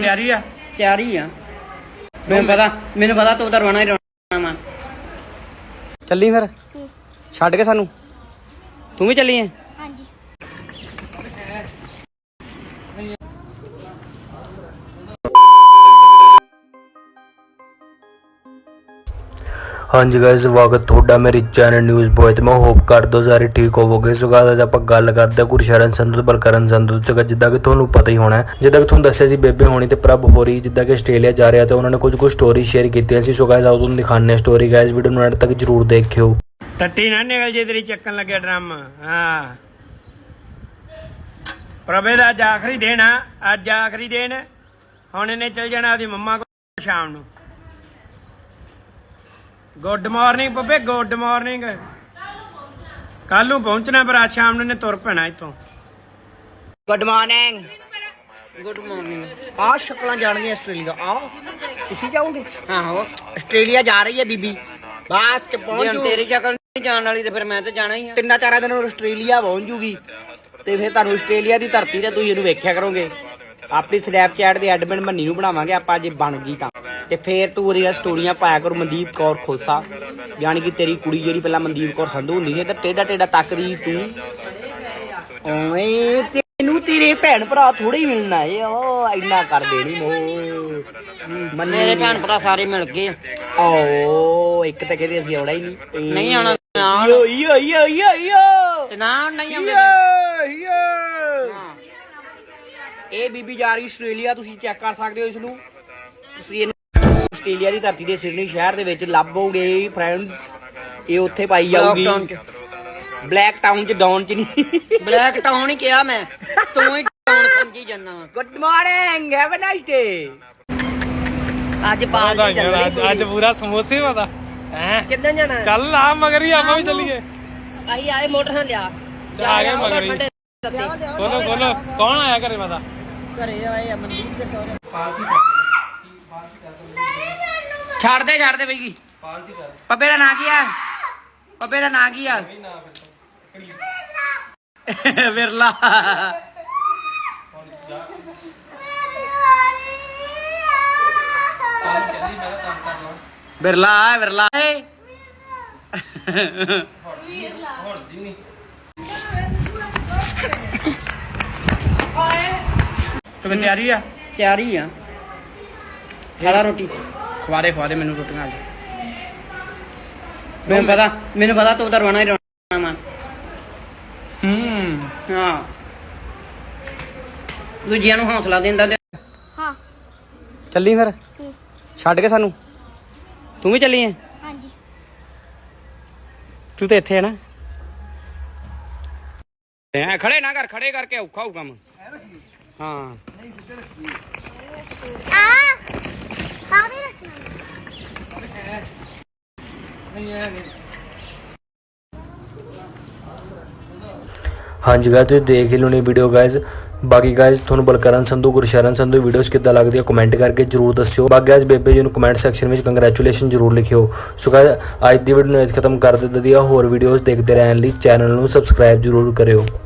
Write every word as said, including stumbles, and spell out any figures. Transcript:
ਤਿਆਰੀ ਆ ਤਿਆਰੀ ਆ ਮੈਨੂੰ ਪਤਾ ਮੈਨੂੰ ਪਤਾ ਤੂੰ ਤਾਂ ਰੋਣਾ ਹੀ ਰੋਣਾ ਵਾ। ਚੱਲੀ ਫਿਰ ਛੱਡ ਕੇ ਸਾਨੂੰ ਤੂੰ ਵੀ ਚੱਲੀ ਐ? ਹਾਂਜੀ। ਹਾਂਜੀ ਗਾਇਸ, ਸਵਾਗਤ ਤੁਹਾਡਾ ਮੇਰੇ ਚੈਨਲ ਨਿਊਜ਼ ਬॉय ਤੇ ਮੈਂ ਹੋਪ ਕਰਦਾ ਸਾਰੇ ਠੀਕ ਹੋਵੋਗੇ। ਸੋ ਗਾਇਸ ਅੱਜ ਆਪਾਂ ਗੱਲ ਕਰਦੇ ਹਾਂ ਗੁਰਸ਼ਰਨ ਸੰਧੂ ਤੇ ਬਲਕਰਨ ਸੰਧੂ ਤੇ। ਜਿੱਦਾਂ ਕਿ ਤੁਹਾਨੂੰ ਪਤਾ ਹੀ ਹੋਣਾ ਹੈ, ਜਿੱਦਾਂ ਕਿ ਤੁਹਾਨੂੰ ਦੱਸਿਆ ਸੀ ਬੇਬੇ ਹੋਣੀ ਤੇ ਪ੍ਰਭ ਹੋਰੀ ਜਿੱਦਾਂ ਕਿ ਆਸਟ੍ਰੇਲੀਆ ਜਾ ਰਿਹਾ ਤੇ ਉਹਨਾਂ ਨੇ ਕੁਝ ਕੁ ਸਟੋਰੀ ਸ਼ੇਅਰ ਕੀਤੀਆਂ ਸੀ। ਸੋ ਗਾਇਸ ਆਓ ਤੁਹਾਨੂੰ ਦਿਖਾਉਂਦੇ ਹਾਂ ਸਟੋਰੀ। ਗਾਇਸ ਵੀਡੀਓ ਨੂੰ ਐਂਡ ਤੱਕ ਜਰੂਰ ਦੇਖਿਓ। ਟੱਟੀ ਨਾ ਨਿਕਲ ਜੇ ਤੇਰੀ ਚੱਕਣ ਲੱਗੇ ਡਰਮ। ਹਾਂ ਪ੍ਰਭੇ ਦਾ ਅੱਜ ਆਖਰੀ ਦਿਨ ਆ, ਅੱਜ ਆਖਰੀ ਦਿਨ। ਹੁਣ ਇਹਨੇ ਚਲ ਜਾਣਾ ਉਹਦੀ ਮੰਮਾ ਕੋਲ ਸ਼ਾਮ ਨੂੰ। ਗੁੱਡ ਮਾਰਨਿੰਗ ਬੱਬੇ, ਗੁੱਡ ਮਾਰਨਿੰਗ। ਕੱਲ ਨੂੰ ਪਹੁੰਚਣਾ ਪਰ ਅੱਜ ਸ਼ਾਮ ਨੂੰ ਇਹਨੇ ਤੁਰ ਪੈਣਾ ਇੱਥੋਂ। Good morning good morning. ਆ ਸ਼ਕਲਾਂ ਜਾਣਗੀਆਂ ਆਸਟ੍ਰੇਲੀਆ। ਆ ਤੁਸੀਂ ਜਾਓਗੇ? ਆਹੋ ਆਸਟ੍ਰੇਲੀਆ ਜਾ ਰਹੀ ਹੈ ਬੀਬੀ। ਬਸ ਚ ਪਹੁੰਚ। ਤੇਰੀ ਸ਼ਕਲ ਨਹੀਂ ਜਾਣ ਵਾਲੀ ਤੇ ਫਿਰ ਮੈਂ ਤਾਂ ਜਾਣਾ ਹੀ ਆ। ਤਿੰਨਾਂ ਚਾਰਾਂ ਦਿਨ ਆਸਟ੍ਰੇਲੀਆ ਪਹੁੰਚ ਜੂਗੀ ਤੇ ਫਿਰ ਤੁਹਾਨੂੰ ਆਸਟ੍ਰੇਲੀਆ ਦੀ ਧਰਤੀ ਤੇ ਤੁਸੀਂ ਇਹਨੂੰ ਵੇਖਿਆ ਕਰੋਗੇ। ਆਪਣੀ ਸਨੈਪਚੈਟ ਦੇ ਐਡਮਿਨ ਮੰਨੀ ਨੂੰ ਬਣਾਵਾਂਗੇ ਆਪਾਂ ਜੇ ਬਣ ਗਈ ਤਾਂ। ਤੇ ਫੇਰ ਤੂੰ ਉਹਦੀਆਂ ਸਟੋਰੀਆਂ ਪਾਇਆ ਕਰੋ। ਮਨਦੀਪ ਕੌਰ ਖੋਸਾ ਯਾਨੀ ਕਿ ਤੇਰੀ ਕੁੜੀ ਜਿਹੜੀ ਪਹਿਲਾਂ ਮਨਦੀਪ ਕੌਰ ਸੰਧੂ ਹੁੰਦੀ ਸੀ ਤੇ ਟੇਡਾ ਟੇਡਾ ਤੱਕਦੀ ਤੂੰ। ਓਏ ਤੈਨੂੰ ਤੇਰੇ ਭੈਣ ਭਰਾ ਥੋੜੇ ਹੀ ਮਿਲਣਾ ਏ। ਓ ਇੰਨਾ ਕਰ ਦੇਣੀ ਮੋ ਮੰਨੇ ਦੇ ਭੈਣ ਭਰਾ ਸਾਰੇ ਮਿਲ ਗਏ। ਓ ਇੱਕ ਤਾਂ ਕਹਿੰਦੇ ਅਸੀਂ ਆਉਣਾ ਹੀ ਨਹੀਂ ਨਹੀਂ ਆਉਣਾ ਨਾਲ। ਯੋ ਯੋ ਯੋ ਯੋ ਯੋ ਤੇ ਨਾ ਨਹੀਂ ਆਉਂਦੇ। ਇਹ ਬੀਬੀ ਜਾ ਰਹੀ ਆਸਟ੍ਰੇਲੀਆ। ਤੁਸੀਂ ਚੈੱਕ ਕਰ ਸਕਦੇ ਹੋ ਇਸ ਨੂੰ। ਤੁਸੀਂ ਆਸਟ੍ਰੇਲੀਆ ਦੀ ਧਰਤੀ ਦੇ ਸਿਡਨੀ ਸ਼ਹਿਰ ਦੇ ਵਿੱਚ ਲੱਭੋਗੇ ਫਰੈਂਡਸ। ਇਹ ਉੱਥੇ ਪਾਈ ਜਾਊਗੀ ਬਲੈਕ ਟਾਊਨ ਚ। ਡਾਊਨ ਚ ਨਹੀਂ, ਬਲੈਕ ਟਾਊਨ ਹੀ ਕਿਹਾ ਮੈਂ, ਤੂੰ ਹੀ ਟਾਊਨ ਸਮਝੀ ਜਾਨਾ। Good morning, have a nice day. ਅੱਜ ਪਾਰਟੀ ਚੱਲ ਰਹੀ। ਅੱਜ ਪੂਰਾ ਸਮੋਸੇ ਪਤਾ ਹੈ ਕਿੱਦਾਂ ਜਾਣਾ? ਕੱਲ ਆ ਮਗਰ ਹੀ ਆਪਾਂ ਵੀ ਚੱਲੀਏ। ਅਸੀਂ ਆਏ ਮੋਟਰ ਨਾਲ ਲਿਆ ਆ ਗਏ ਮਗਰ ਹੀ। ਬੋਲੋ ਬੋਲੋ ਕੌਣ ਆਇਆ ਘਰੇ? ਪਤਾ ਘਰੇ ਆਏ ਆ ਮਨਦੀਪ ਦੇ ਸਹੁਰੇ। ਛੱਡ ਦੇ ਛੱਡ ਦੇ ਬਈ। ਪੱਪੇ ਦਾ ਨਾਂ ਕੀ ਆ? ਪੱਪੇ ਦਾ ਨਾਂ ਕੀ ਆ? ਵਿਰਲਾ। ਬਿਰਲਾ ਬਿਰਲਾ ਤੂੰ ਤਿਆਰੀ ਆ? ਤਿਆਰੀ ਆ। ਖਾਲਾ ਰੋਟੀ ਖਵਾਰੇ ਖਵਾਰੇ ਮੈਨੂੰ ਰੋਟੀਆਂ। ਅੱਜ ਮੈਨੂੰ ਪਤਾ ਮੈਨੂੰ ਪਤਾ ਤੂੰ ਤਾਂ ਰੋਣਾ ਹੀ ਰੋਣਾ ਵਾ। ਹੂੰ ਹਾਂ ਦੂਜਿਆਂ ਨੂੰ ਹੌਸਲਾ ਦਿੰਦਾ ਤੇ। ਹਾਂ। ਚੱਲੀ ਫਿਰ ਛੱਡ ਕੇ ਸਾਨੂੰ ਤੂੰ ਵੀ ਚੱਲੀ ਐ? ਹਾਂਜੀ। ਤੂੰ ਤਾਂ ਇੱਥੇ ਹੈ ਨਾ। ਐ ਖੜੇ ਨਾ ਕਰ, ਖੜੇ ਕਰਕੇ ਔਖਾ ਹੋਊ ਕੰਮ। ਹਾਂ ਆ ਕਾਹਦੇ ਰੱਖਣਾ? ਹਾਂਜੀ ਗਾਇਸ ਤੁਸੀਂ ਦੇਖ ਹੀ ਲਓਣੀ ਵੀਡੀਓ ਗਾਇਸ। ਬਾਕੀ ਗਾਇਸ ਤੁਹਾਨੂੰ ਬਲਕਰਨ ਸੰਧੂ ਗੁਰਸ਼ਰਨ ਸੰਧੂ ਵੀਡੀਓਜ਼ ਕਿੱਦਾਂ ਲੱਗਦੀ ਹੈ ਕਮੈਂਟ ਕਰਕੇ ਜਰੂਰ ਦੱਸਿਓ। ਬਾਕੀ ਗਾਇਸ ਬੇਬੇ ਜੀ ਨੂੰ ਕਮੈਂਟ ਸੈਕਸ਼ਨ ਵਿੱਚ ਕੰਗ੍ਰੈਚੁਲੇਸ਼ਨ ਜਰੂਰ ਲਿਖਿਓ। ਸੋ ਗਾਇਸ ਅੱਜ ਦੀ ਵੀਡੀਓ ਨੂੰ ਇੱਥੇ ਖਤਮ ਕਰ ਦਿੱਤਾ ਦੀ। ਹੋਰ ਵੀਡੀਓਜ਼ ਦੇਖਦੇ ਰਹਿਣ ਲਈ ਚੈਨਲ ਨੂੰ ਸਬਸਕ੍ਰਾਈਬ ਜਰੂਰ ਕਰਿਓ।